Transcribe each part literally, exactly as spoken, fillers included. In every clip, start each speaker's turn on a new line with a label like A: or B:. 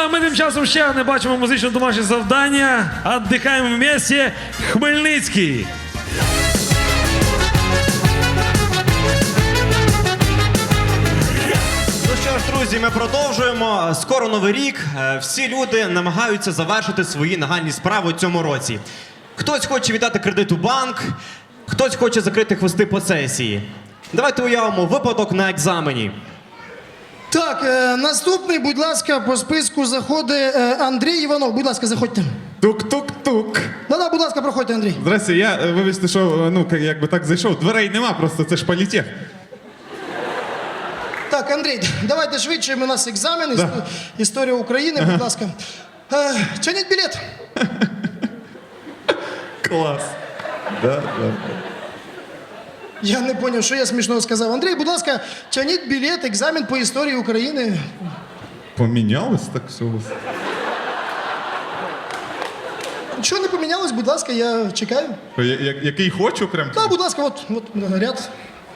A: а ми тим часом ще не бачимо музичне домашнє завдання. Отдихаємо в місті Хмельницький.
B: Ну що ж, друзі, ми продовжуємо. Скоро Новий рік. Е, Всі люди намагаються завершити свої нагальні справи у цьому році. Хтось хоче віддати кредит у банк, хтось хоче закрити хвости по сесії. Давайте уявимо випадок на екзамені.
C: Так, е, наступний, будь ласка, по списку заходить е, Андрій Іванов. Будь ласка, заходьте.
D: Тук-тук-тук.
C: Да-да, будь ласка, проходьте, Андрій.
D: Здрасте, я, е, вибачте, що, е, ну, як- якби так зайшов. Дверей нема, просто це ж політех.
C: Так, Андрій, давайте швидше, у нас екзамен, іс-
D: Да.
C: історія України, будь ласка. Е, Тяніть білет.
D: Клас. Да, да.
C: Я не зрозумів, що я смішного сказав. Андрій, будь ласка, тяніть білет, екзамен по історії України.
D: Помінялось так все у вас?
C: Нічого не помінялось, будь ласка, я чекаю.
D: Я- я- Який хочу прям?
C: Так, будь ласка, от, от ряд.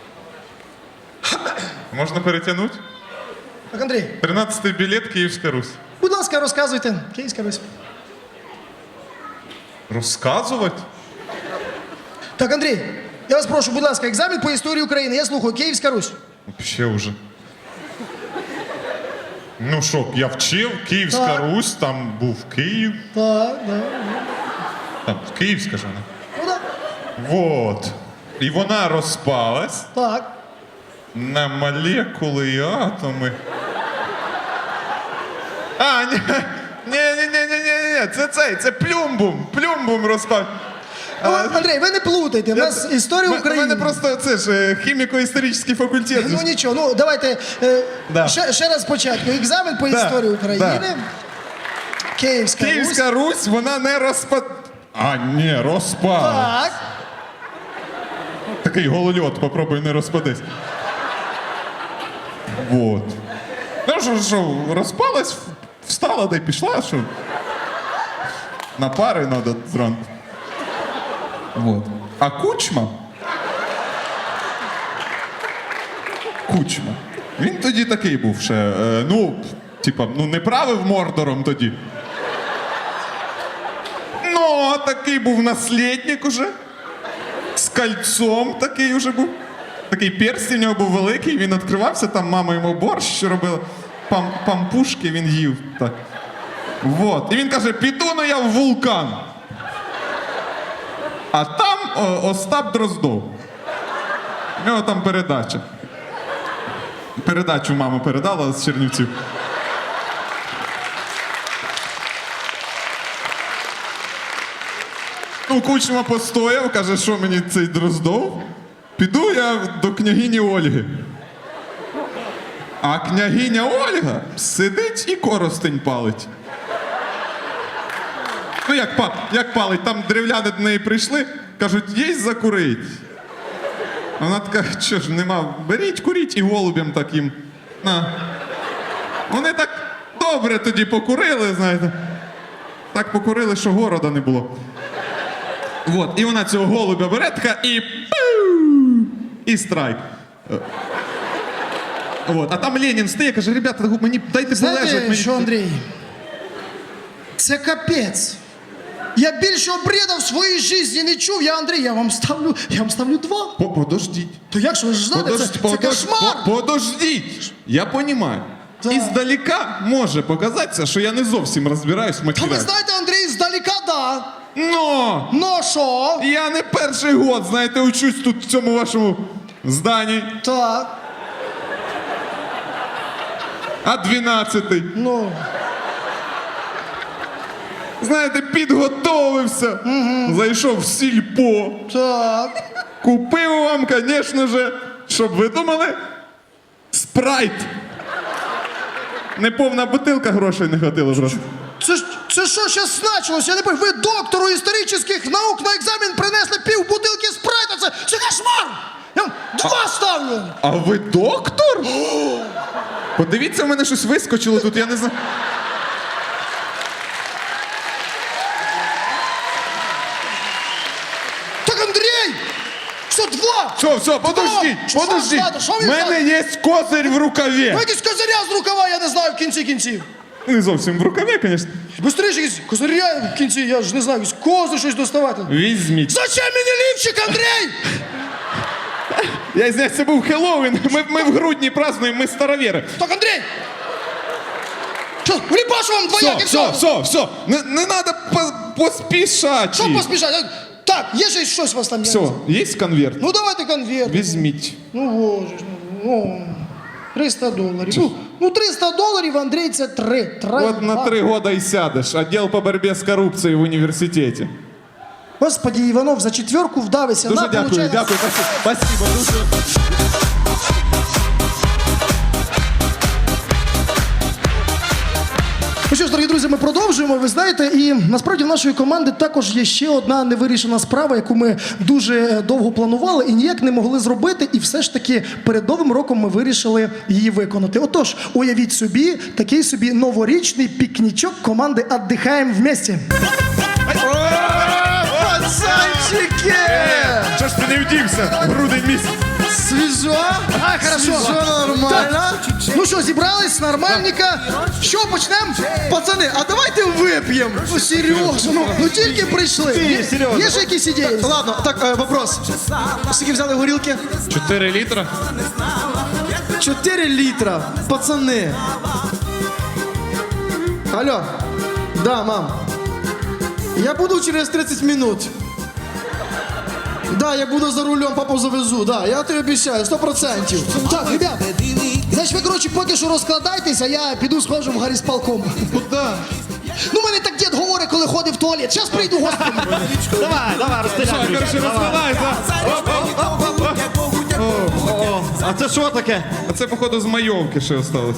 D: Можна перетягнути?
C: Так, Андрій,
D: тринадцятий білет, Київська Русь.
C: будь ласка, розказуйте. Київська Русь.
D: Розказувати?
C: Так, Андрій, я вас прошу, будь ласка, екзамен по історії України. Я слухаю, Київська Русь.
D: Ще вже. Ну що, я вчив, Київська
C: Так.
D: Русь, там був Київ.
C: Так, так.
D: Там Київська ж вона.
C: Ну так.
D: Вот. І вона розпалась
C: Так.
D: на молекули і атоми. А, ні, ні, ні, ні, ні, ні, ні, це цей, це плюмбум, плюмбум розпав.
C: Ну, Андрій, ви не плутайте, в нас історія
D: У
C: України.
D: мене просто це ж е, хіміко-історичний факультет.
C: Ну нічого, ну давайте е,
D: Да.
C: ще, ще раз спочатку. Екзамен по
D: Да,
C: історії України.
D: да.
C: Київська, Русь.
D: Київська Русь, вона не розпад... А, ні, розпала.
C: Так.
D: Такий голольот, попробуй не розпадись. Вот. Ну що, що, розпалась, встала, да й пішла, що? На пари треба зранку. Вот. А Кучма? Кучма. Він тоді такий був ще, е, ну, типа, ну не правив Мордором тоді. Ну, такий був наслідник уже. З кольцом такий уже був. Такий перстень у нього був великий, він відкривався, там мама йому борщ робила. Пам, пампушки він їв. Так. Вот. І він каже, піду ну я в вулкан. А там о, Остап Дроздов. У нього там передача. Передачу мама передала з Чернівців. Ну, Кучма постояв, каже, що мені цей Дроздов? Піду я до княгині Ольги. А княгиня Ольга сидить і коростень палить. Ну, як, па, як палить, там древляни до неї прийшли, кажуть, єсть закурить. Вона така, що ж, нема, беріть, куріть і голубям так їм. На. Вони так добре тоді покурили, знаєте. Так покурили, що города не було. Вот, і вона цього голубя бере така і пиу, і страйк. Вот, а там Ленін стає, каже, ребята, мені дайте полежати.
C: Знаєте,
D: Мені...
C: що, Андрій? Це капець. Я більшого бреда в своїй житті не чув. Я, Андрій, я вам ставлю, я вам ставлю два.
D: По- Подождіть.
C: То як ж ви ж знаєте, це, це
D: подож-
C: кошмар.
D: по- Подождіть. Я розумію.
C: Так.
D: Іздалека може показатися, що я не зовсім розбираюсь в
C: Та ви
D: матеріалі.
C: знаєте, Андрій, здалека, да.
D: Но!
C: Ну що?
D: Я не перший год, знаєте, учусь тут в цьому вашому зданні,
C: Так,
D: а дванадцятий.
C: ну.
D: Знаєте, підготовився, зайшов в сільпо,
C: Так.
D: купив вам, звісно же, щоб ви думали, спрайт. Неповна бутилка, грошей не хватило просто.
C: Це ж це що зараз значилось? Я не пам'ятаю. Ви доктору історичних наук на екзамен принесли пів бутилки спрайта. Це, це кошмар! Я вам два ставлю.
D: А ви доктор? Подивіться, в мене щось вискочило тут, я не знаю.
C: Так, Андрій! Що два?
D: Все, все, подождіть,
C: Що?
D: подождіть.
C: Що? Що ви
D: У мене
C: взяли?
D: є козир в рукаві.
C: Ви якісь козиря з рукава, я не знаю в кінці кінців.
D: Не зовсім в рукаві, звісно.
C: Быстріше якісь козиря в кінці, я ж не знаю, якісь кози щось доставати.
D: Візьміть.
C: Зачем мені лівчик, Андрій?
D: Я знаю, це був Хеллоуін. Ми, ми в грудні празднуємо, ми старовіри.
C: Так, Андрій! Що, вліпаш вам
D: Все,
C: двояк і
D: все,
C: все?
D: все, все. Не, не треба поспішати.
C: Що поспішати? Так, є ще щось у вас там?
D: Все, є конверт?
C: Ну давайте конверт.
D: Візьміть.
C: Ну, боже ж, ну, триста доларів. Ну, ну, триста доларів, Андрій, це три. Три.
D: От на три года і сядеш. Отдел по боротьбі з корупцією в університеті.
C: Господи, Іванов, за четверку вдавися.
D: Дуже
C: На,
D: дякую,
C: получай.
D: дякую. Спасибо, спасибо дуже.
C: Ну що ж, дорогі друзі, ми продовжуємо. Ви знаєте, і насправді в нашої команди також є ще одна невирішена справа, яку ми дуже довго планували і ніяк не могли зробити. І все ж таки перед Новим роком ми вирішили її виконати. Отож, уявіть собі такий собі новорічний пікнічок команди «Отдихаємо вместе».
E: Пацанчики!
D: Що ж ти не вдівся? Грудень місяць.
E: Свіжо?
C: А, хорошо.
E: Свіжо, нормально.
C: Ну що, зібрались, нормальненько. Що, почнемо?
E: Пацани, а давайте вип'ємо.
C: Ну, Сережа, ну, ну тільки прийшли. Є,
E: Сережа.
C: є ж якісь ідеї?
E: Ладно, так, е, вопрос. Скільки взяли горілки?
D: чотири літра?
E: чотири літра. Пацани. Алло. Да, мам. Я буду через тридцять минут. Да, я буду за рулем, папу завезу, да, я тобі обіцяю, сто процентів.
C: Так, ребята, значить ви, коротше, поки що розкладайтеся, я піду схожу в гарісполком.
E: Куди?
C: Ну, мене так дід говорить, коли ходить в туалет. Зараз прийду, господи.
B: Давай, давай, розстріляй.
D: Короче, розмивайся.
B: А це що таке?
D: А це, походу, з майовки ще осталось.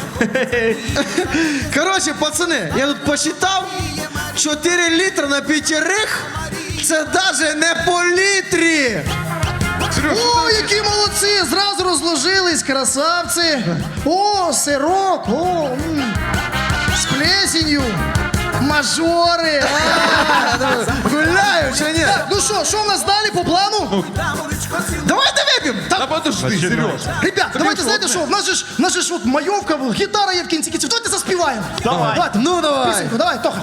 E: Коротше, пацани, я тут посчитав, чотири літра на п'ятерих, це навіть не по літрі.
C: О, які молодці! Зразу розложились, красавці. О, сирок, о, м. з плесенью. Мажори. А.
E: Гуляю чи ні?
C: Так, ну що, що в нас далі по плану?
E: Давайте вип'ємо.
D: Та подожди, Сереж.
C: Ребят, давайте, знаєте що, в нас же ж, в нас же ж от майовка, гітара є в кінці кінців. Давайте заспіваємо.
B: Давай.
C: Давайте,
E: Ну, давай.
C: пісеньку, давай, Тоха.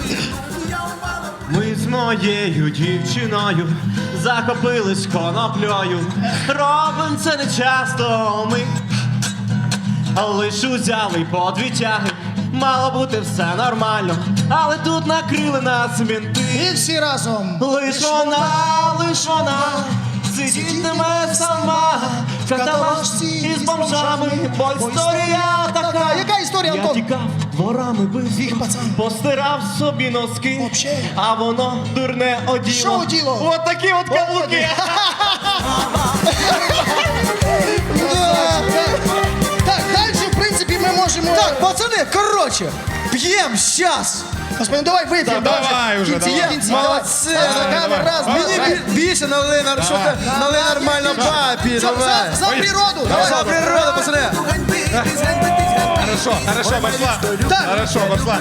B: Ми з моєю дівчиною захопились коноплею. Робим це не часто ми, лиш узяли по дві тяги. Мало бути все нормально, але тут накрили нас мінти.
C: І всі разом.
B: Лиш вона, лиш вона сидітиме сама в каталажці із бомжами, бо історія така.
C: Яка історія,
B: Я
C: Антон?
B: тікав дворами без
C: Їх, пацан.
B: постирав собі носки,
C: Вообще.
B: а воно дурне оділо.
C: Що оділо?
B: От такі от каблуки.
C: Так, далі, в принципі, ми можемо...
E: Так, пацани, коротше, п'ємо щас.
C: Господи, ну давай вип'ємо.
D: давай уже,
C: Кінці,
D: давай.
C: кінці,
E: Молодці.
C: давай. Стакани, раз,
E: Мені
C: два,
E: бі- більше налили, на- що ти налили нормально папі,
C: За,
E: давай.
C: за, за природу, давай.
E: За природу, пацани.
D: Хорошо, хорошо, пошла.
C: Так.
D: Хорошо, пошла.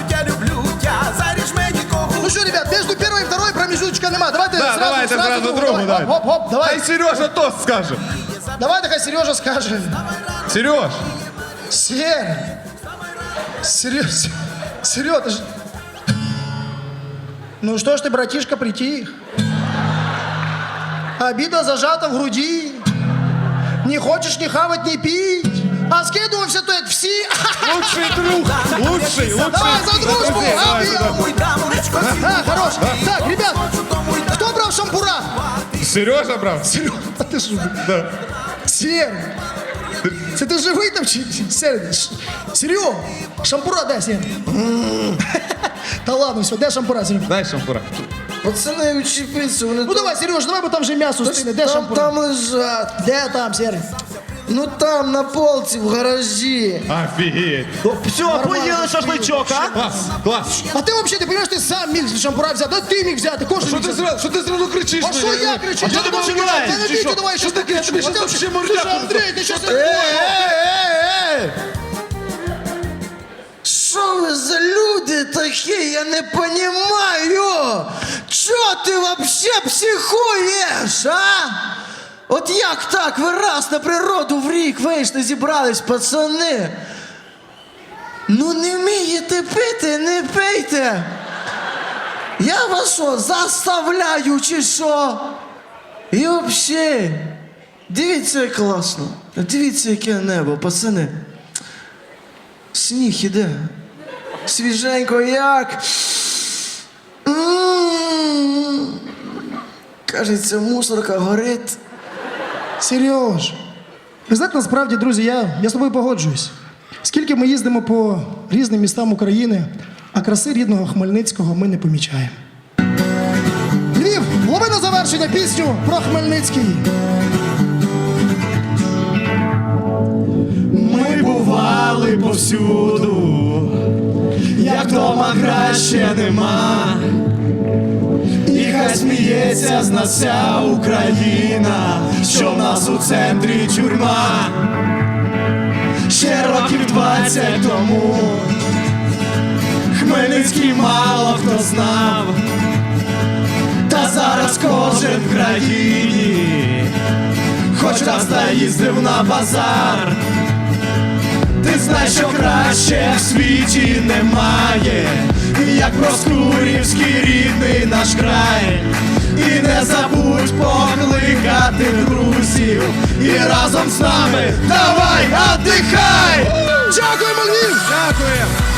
C: Ну что, ребят, между первой и второй промежуточка нема. Давайте
D: Да,
C: сразу,
D: давайте
C: сразу,
D: сразу
C: другу,
D: другу,
C: давай.
D: давай.
C: Хоп, хоп, давай.
D: Хай Сережа тост скаже.
C: Давай, такая Сережа скажет.
D: Сереж,
C: Сер. Сереж. Сереж, ты ж... Ну что ж ты, братишка, притих? Обида зажата в груди. Не хочешь ни хавать, ни пить. А скидываемся то это все.
D: лучший друг, лучший, лучший.
C: Давай за дружбу,
D: Друзей,
C: а,
D: давай,
C: бьем.
D: давай.
C: А, хорош. Так, ребят, кто брал шампура?
D: Сережа брав?
C: Серега, а ты что?
D: Да.
C: Сер, це ти живий там чи Сер? Серега, шампура дай, Сер. Та ладно, все, де шампура, Серега?
D: Дай шампура.
E: Пацани, учепіться, вони
C: Ну давай, Сереж, давай, бо там вже м'ясо стине. Де
E: там,
C: шампура?
E: там лежать.
C: Де там, Сер?
E: Ну там, на полці, в гаражі.
D: Офігеть.
B: Все, поїли шашличок, а?
D: Клас, клас.
C: А ти взагалі, ти розумієш, ти сам міг шампура взяти, да ти міг взяти, кожен
D: Що
C: міг
D: ти
C: взяти.
D: зразу, що ти зразу кричиш?
C: А що я кричу?
D: А що ти починаєш?
C: Ти не
D: Чи
C: бійте,
D: що?
C: давай,
D: Що
C: що
D: таке? Тобі щось там ще мордяку.
C: Слушай, Андрій, ти що
E: Ей,
C: це?
E: ей, ей! Що ви за люди такі? Я не понімаю. Чо ти вообще психуєш, а? От як так? Ви раз на природу в рік вийшли, зібрались, пацани. Ну не вмієте пити, не пийте. Я вас що, заставляю чи що? І взагалі, дивіться, як класно. Дивіться, яке небо, пацани. Сніг іде. Свіженько як. М. Кажеться, мусорка горить.
C: Сереж, ви знаєте, насправді, друзі, я, я з тобою погоджуюсь. Скільки ми їздимо по різним містам України, а краси рідного Хмельницького ми не помічаємо. Львів, лови на завершення пісню про Хмельницький.
F: Ми бували повсюду, як дома краще нема. І хай сміється з нас вся Україна, що в нас у центрі тюрма. Ще років двадцять тому Хмельницький мало хто знав, та зараз кожен в країні хоч раз та їздив на базар. Ти знаєш, що краще в світі немає, як Проскурівський рідний наш край. І не забудь покликати друзів, і разом з нами давай, отдихай!
C: Дякуємо, Львів!
F: Дякую!